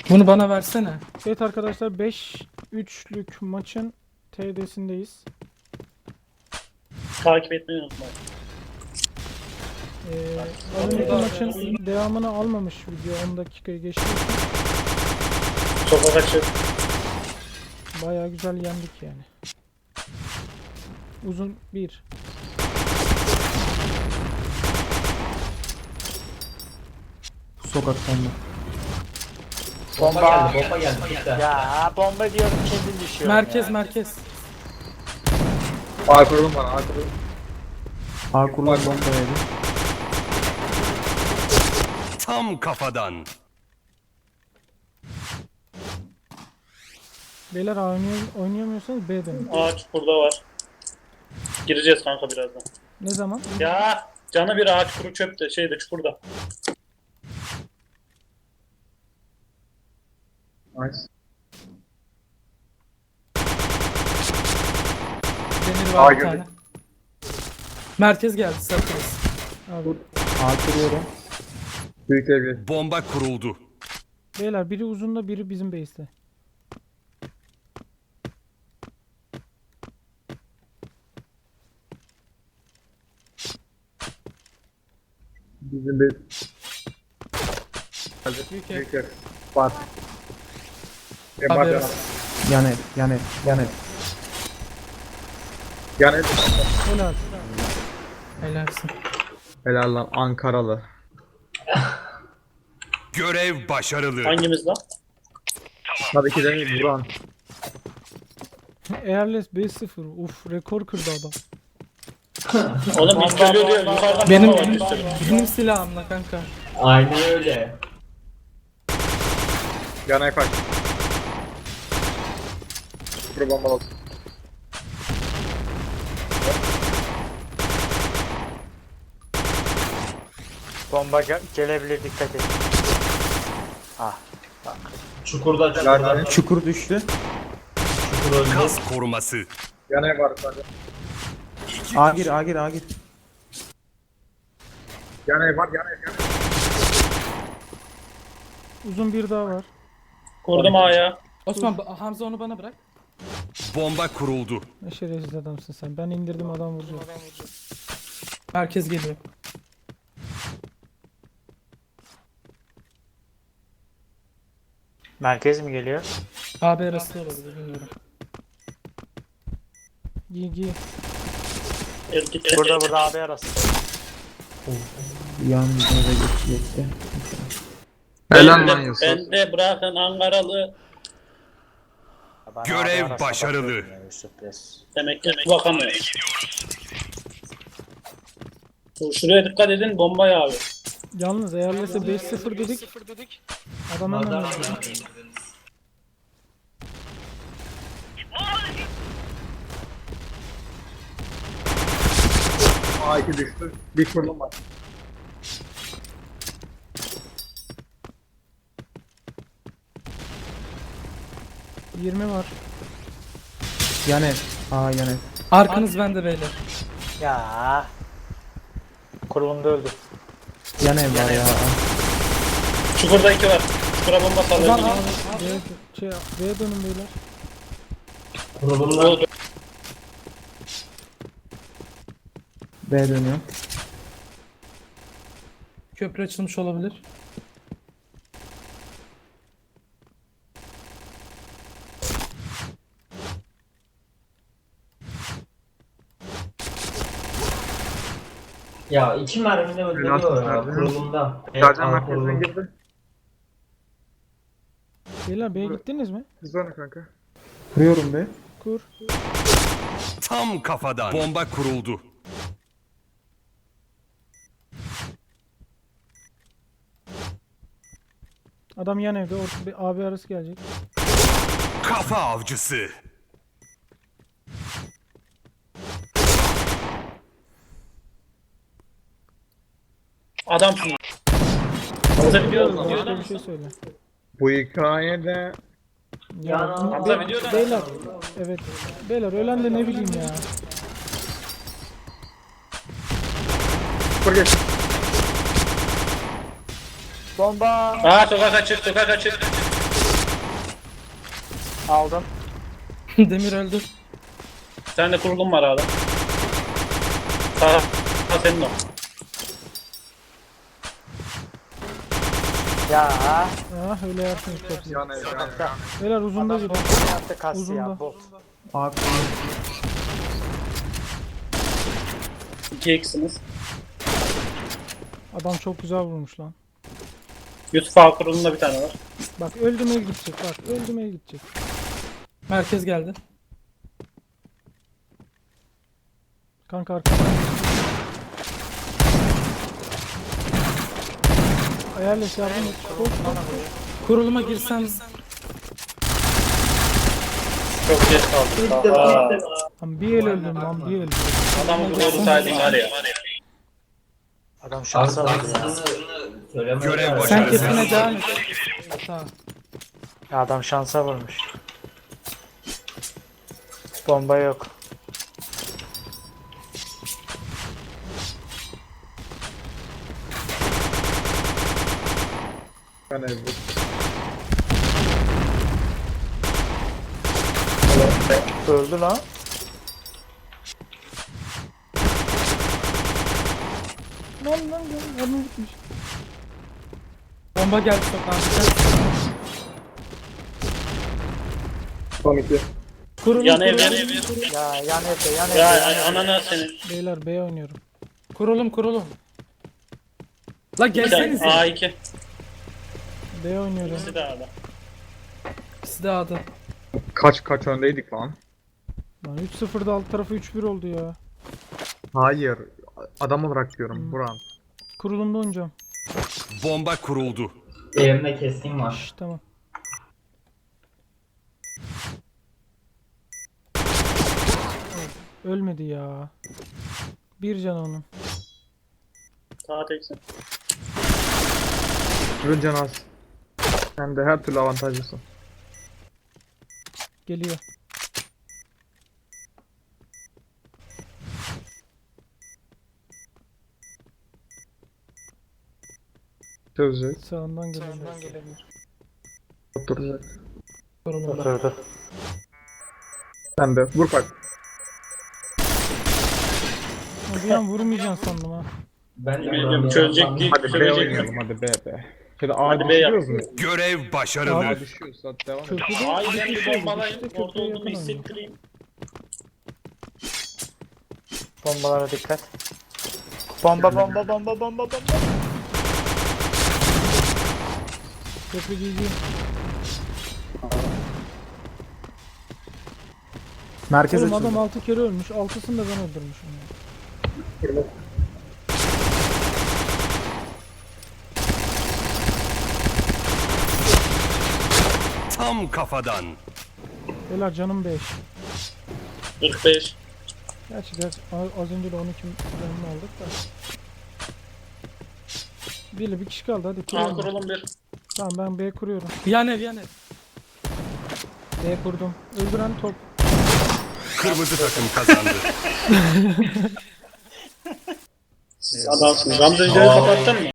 Bunu bana versene. Evet arkadaşlar 5-3'lük maçın TD'sindeyiz. Takip etmeyi unutmayın. Az önceki maçın devamını almamış video 10 dakikayı geçti. Sokak açık. Bayağı güzel yendik yani. Uzun 1. Sokaktan da. Bomba geldi. Bitti. Ya bomba diyorum kendim düşüyorum Merkez ya. merkez. A kurulum var. A kurulum. A kurulan bomba yedi. Tam kafadan. Beyler oynayamıyorsanız B dönün. Ağaç burada var. Gireceğiz kanka birazdan. Ne zaman? Ya canı bir ağaç kuru çöpte şeyde çukurda. Nice. Demir var bir girdi. tane. Merkez geldi sakız. Abi. A kuruyorum. Büyük evli. Bomba kuruldu. Beyler biri uzunda biri bizim base'te. Bizim bir Büyük ev. büyük ev. Var. Haber. Var. Yan ev. Yan ev. Yan ev. Yani Helal. Helalsin. helal lan Ankaralı. Görev başarılı. Hangimiz lan? Tabii ki de Buran. Airless 5-0. Uf rekor kırdı adam. Oğlum biz geliyor diyor yukarıdan Benim bomba var üstte. benim silahımla kanka. Aynen öyle. Yana kaç. Kuru bomba olsun. Bomba gelebilir dikkat et. Ah bak. Nerede? Çukur düştü. Kas koruması. Yana var sadece. A gir. A gir. A gir. Yana var. Yana. Uzun bir daha var. Kurdum A'ya. Osman Hamza onu bana bırak. Bomba kuruldu. Ne şerefsiz adamsın sen. Ben indirdim adam vuracak. Merkez geliyor. Merkez mi geliyor? AB arası da olabilir bilmiyorum. Giy giy. El git. Burada AB arası. Yan eve geçecekti. Helal lan Yusuf. Ben de bırakın Ankaralı. Bana Görev AB arası başarılı. bakıyorum ya, Yusuf Bes. Demek ki bakamıyor. Şuraya dikkat edin bomba yağıyor. Yalnız Airless'e 5-0 dedik. Adam hemen öldü. A2 düştü. Bir kurulum var. %20 var. Yan ev. A yan ev. Arkanız bende beyler. Ya. Kurulumda öldü. Yan ev var ya. Çukurda 2 var. Çukura bomba Ulan salıyor. al. B'ye dönün beyler. Oldu. B dönüyor. Köprü açılmış olabilir. Ya iki mermide öldürüyor ya nerede? kurulumda. Sercan A merkezine kurulum. girdi. Beyler B'ye gittiniz mi? Hızlanın kanka. Kuruyorum be. Kur. Tam kafadan. Bomba kuruldu. Adam yan evde. Bir AB arası gelecek. Kafa avcısı. Adamsın. Hamza video Başka bir şey söyle. Bu hikayede Ya, Hamza video beyler. Evet. Beyler ölen de ne bileyim ya. kur geç. Bomba. Aa sokak açık sokak açık. Aldım. Demir öldü. Bir tane de kurulum var hala. Sağ senin o. Ya. Ah öyle yersiniz çok güzel. Yan ev, yan ev. Beyler uzunda Adam biri. bombayı yaptı kastı Uzunda. ya bot. A kurulu. 2x'iniz. Adam çok güzel vurmuş lan. Yusuf A kurulumda bir tane var. Bak öldürmeye gidecek bak öldürmeye gidecek. Merkez geldi. Kanka arkadan. Ayarlaş yardım et. Koş, koş, koş. Kuruluma girsen Çok geç kaldık. Aa, Lan bir el öldüm lan bir el. adamı vursaydın var ya. Adam şansa vurdu ya. Görev sen başarısız. kesine devam et. Tamam. Ya adam şansa vurmuş. Bomba yok. Yan ev. Öldü lan. Lan adam gitmiş. Bomba geldi sokağın. Son 2. Kurulum Yan ev, kurulum. yan ev. Ya yan evde yan evde. Ya yan evde. anana senin. Beyler B oynuyorum. Kurulum. La Bir tane gelsenize. A2. B oynuyorum. İkisi de A'da. İkisi de A'da. Kaç öndeydik lan? Lan 3-0'da alt tarafı 3-1 oldu ya. Hayır. Adam olarak diyorum Buran. Kurulumda oynayacağım. Bomba kuruldu. Evimde keskin var. Şş, tamam. Ölmedi ya. Bir can onun. Sağ teksin. Ürün can az. Hem de her türlü avantajlısın. Geliyor. Çözecek. Sağından geliyor. Oturacak. Kurulumda. Oturdu. Sen de vur bak. Ha, bir an vurmayacaksın sandım ha. Ben de Bilmiyorum çözecek değil. Hadi B Çözecek oynayalım hadi B. Şöyle A Hadi B yap. düşürüyoruz mu? Görev başarılı. A düşüyoruz hadi devam edelim. Köprüde A'yı bir ben bir kişi oldu. bombalayayım. İşte Orada köprüye olduğumu yakın oynuyor. hissettireyim. Bombalara dikkat. Bomba. Köprü GG. Merkez Oğlum açıldı. adam 6 kere ölmüş. 6'sını da ben öldürmüşüm. Ya. Tam kafadan. Beyler canım 5. 45. Gerçi az önce de 12 canını aldık da. Bir kişi kaldı hadi A kuralım. kurulum 1. Tamam ben B kuruyorum. Yan ev. B kurdum. Öldüren top. Kırmızı takım kazandı. Adamsın. Gamze'yi kapattın mı?